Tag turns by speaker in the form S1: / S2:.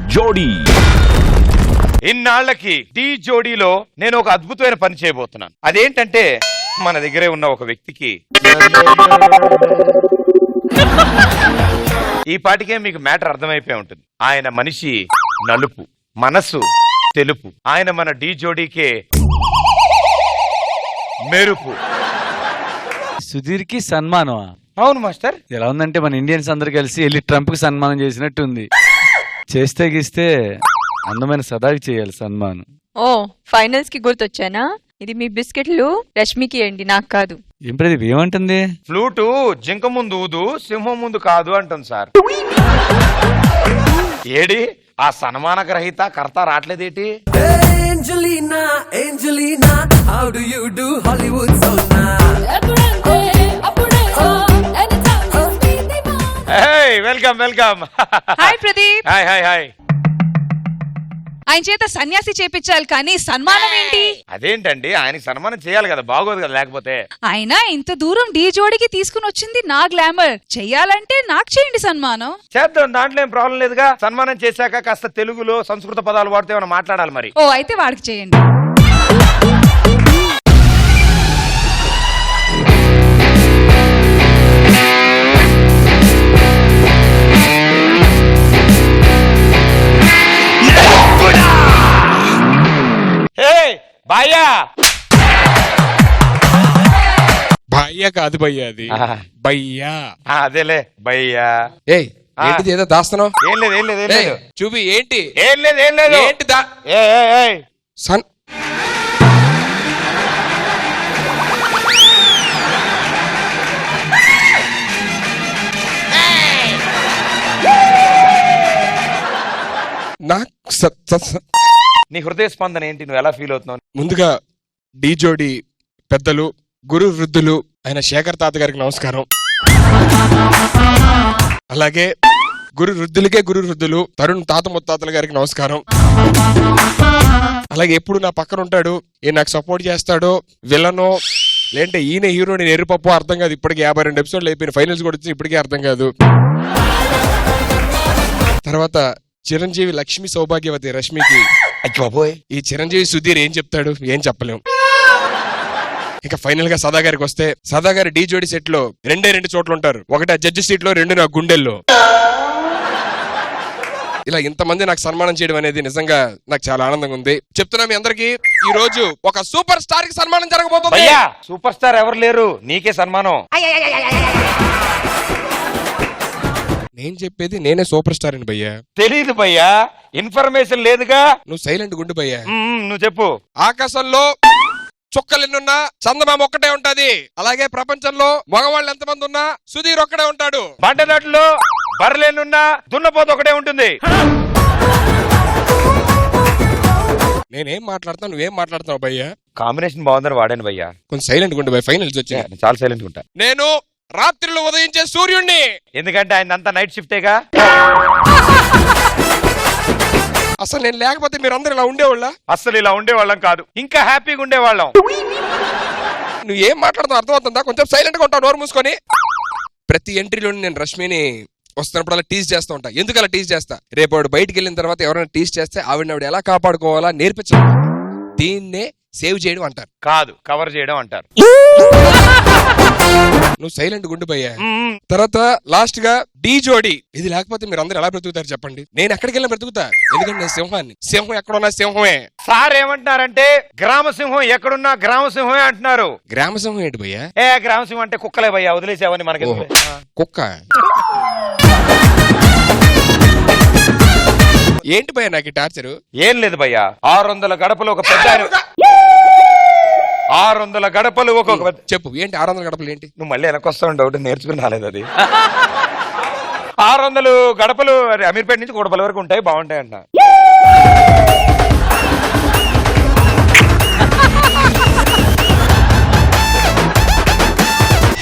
S1: జోడీ.
S2: ఇన్నాళ్లకి ఢీ జోడీలో నేను ఒక అద్భుతమైన పని చేయబోతున్నాను. అదేంటంటే మన దగ్గరే ఉన్న ఒక వ్యక్తికి ఈ పాటికే మీకు మ్యాటర్ అర్థమైపోయి ఉంటుంది. ఆయన మనిషి నలుపు, మనసు తెలుపు. ఆయన మన ఢీ జోడీకే మెరుపు.
S3: సుధీర్ కి సన్మానం.
S2: అవును మాస్టర్.
S3: ఎలా ఉందంటే మన ఇండియన్స్ అందరు కలిసి వెళ్ళి ట్రంప్ కి సన్మానం చేసినట్టు ఉంది. చేస్తే గీస్తే అందమైన సదాకి చేయాలి సన్మానం.
S4: ఓ ఫైనల్స్ కి గుర్తొచ్చానా? ఇది మీ బిస్కెట్లు రష్మికి అండి, నాకు కాదు.
S3: ఏం ప్రదీప్ ఏమంటుంది?
S2: ఫ్లూటు జింక ముందు ఊదు, సింహం ముందు కాదు అంటుంది సార్. ఏడి ఆ సన్మాన గ్రహీత కర్త రావట్లేదేటి?
S5: Angelina, Angelina, how do you do Hollywood so now?
S2: Welcome welcome.
S6: Hi Pradeep.
S2: Hi hi hi.
S6: ఆయన చేత సన్యాసి చేపించాలి కానీ సన్మానం ఏంటి?
S2: అదేంటండి, ఆయనకి సన్మానం చేయాలి కదా, బాగోదు కదా లేకపోతే.
S6: ఆయన ఇంత దూరం ఢీ జోడికి తీసుకుని వచ్చింది నా గ్లామర్. చెయ్యాలంటే నాకు చేయండి సన్మానం.
S2: చేద్దాం, దాంట్లో ఏం ప్రాబ్లం లేదుగా. సన్మానం చేశాక కాస్త తెలుగులో సంస్కృత పదాలు వాడితే ఏమైనా మాట్లాడాలి మరి.
S6: ఓ అయితే వాడికి చేయండి.
S2: బాయ్యా
S7: భయ్యా కాదు భయ్యా, అది భయ్యా.
S2: అదేలే భయ్యా.
S7: ఏయ్ ఏంటిది ఏదో దాస్తున్నావు?
S2: ఏం లేదు ఏం లేదు ఏం లేదు.
S7: చూపి ఏంటి?
S2: ఏం లేదు ఏం లేదు.
S7: ఏంటి దా సన్
S2: నీ హృదయ స్పందన ఏంటి? నువ్వు ఎలా ఫీల్ అవుతున్నావు?
S7: ముందుగా ఢీ జోడీ పెద్దలు, గురు వృద్ధులు ఆయన శేఖర్ తాత గారికి నమస్కారం. అలాగే గురు వృద్ధులకే గురు వృద్ధులు తరుణ్ తాత ముత్తాతల గారికి నమస్కారం. అలాగే ఎప్పుడు నా పక్కన ఉంటాడు, ఏ నాకు సపోర్ట్ చేస్తాడో, విలనో లేదంటే ఈయన హీరో నేను ఎరుపప్పు అర్థం కాదు. ఇప్పటికి 52 ఎపిసోడ్లు అయిపోయిన, ఫైనల్స్ కూడా వచ్చి ఇప్పటికే అర్థం కాదు. తర్వాత చిరంజీవి లక్ష్మి సౌభాగ్యవతి రష్మికి, ఈ చిరంజీవి సుధీర్ ఏం చెప్తాడు ఏం చెప్పలేం. ఇక ఫైనల్ గా సదా గారికి వస్తే, సదా గారి ఢీ జోడీ సెట్ లో 2 చోట్ల ఉంటారు. ఒకటి ఆ జడ్జి సీట్ లో, 2 నా గుండెల్లో. ఇలా ఇంతమంది నాకు సన్మానం చేయడం అనేది నిజంగా నాకు చాలా ఆనందంగా ఉంది. చెప్తున్నా మీ అందరికి, ఈ రోజు ఒక సూపర్ స్టార్ కి సన్మానం జరగబోతుంది.
S2: సూపర్ స్టార్ ఎవరు లేరు, నీకే సన్మానం.
S7: నేను చెప్పేది నేనే సూపర్ స్టార్ అని భయ్యా.
S2: తెలీదు భయ్యా, ఇన్ఫర్మేషన్ లేదుగా.
S7: నువ్వు సైలెంట్ గుండు భయ్యా.
S2: నువ్వు చెప్పు.
S7: ఆకాశంలో చుక్కలెన్నున్నా చందమామ ఒక్కటే ఉంటది. అలాగే ప్రపంచంలో మగవాళ్ళు ఎంతమంది ఉన్నా సుధీర్ ఒక్కడే ఉంటాడు.
S2: బండదాట్లో బర్రెలున్నా దున్నపోతు ఒకటే ఉంటుంది.
S7: నేనేం మాట్లాడుతాను, నువ్వేం మాట్లాడుతున్నావు భయ్యా?
S2: కాంబినేషన్ బాగుందని వాడాను భయ్యా.
S7: కొంచెం సైలెంట్ గుండు భయ్యా. ఫైనల్స్ వచ్చి
S2: చాలా సైలెంట్ ఉంటా.
S7: నేను రాత్రిలో ఉదయించే సూర్యుడిని.
S2: ఎందుకంటే ఆయన అంతా నైట్ షిఫ్టేగా.
S7: అసలు నేను లేకపోతే మీరు అందరు ఇలా ఉండేవాళ్ళ?
S2: అసలు ఇలా ఉండేవాళ్ళం కాదు, ఇంకా హ్యాపీగా ఉండేవాళ్ళం.
S7: నువ్వు ఏం మాట్లాడుతావు అర్థమవుతుందా? కొంచెం సైలెంట్ గా ఉంటావు నోరు మూసుకొని. ప్రతి ఎంట్రీలో నేను రష్మిని వస్తున్నప్పుడు అలా టీజ్ చేస్తూ ఉంటా. ఎందుకు అలా టీజ్ చేస్తా? రేపు ఆవిడ బయటికి వెళ్ళిన తర్వాత ఎవరైనా టీజ్ చేస్తే ఆవిడ ఎలా కాపాడుకోవాలా నేర్పించాలి. దీన్నే సేవ్ చేయడం అంటారు,
S2: కాదు కవర్ చేయడం అంటారు.
S7: నువ్వు సైలెంట్ గుండు భయ్యా. తర్వాత లాస్ట్ గా ఢీ జోడీ. ఇది లేకపోతే మీరు అందరు ఎలా బ్రతుకుతారు చెప్పండి? నేను ఎక్కడికి వెళ్ళినా బ్రతుకుతా, ఎందుకంటే నేను సింహాన్ని. సింహం ఎక్కడున్నా సింహమే.
S2: సార్ ఏమంటున్నారంటే గ్రామ సింహం ఎక్కడున్నా గ్రామ సింహమే అంటున్నారు.
S7: గ్రామ సింహం ఏంటి భయ్యా?
S2: గ్రామ సింహం అంటే కుక్కలే భయ్యా, వదిలేసావని మనకి.
S7: కుక్క ఏంటి భయ్యా నాకు టార్చరు?
S2: ఏం లేదు భయ్యా, 600 గడపలు ఒక పెద్ద 600 గడపలు ఒక్కొక్క.
S7: చెప్పు ఏంటి 600 గడపలు ఏంటి?
S2: నువ్వు మళ్ళీ వెనకొస్తావు డౌట్, నేర్చుకుని రాలేదు అది. 600 గడపలు అమీర్పేట నుంచి కోటపల్లి వరకు ఉంటాయి, బాగుంటాయి అంట.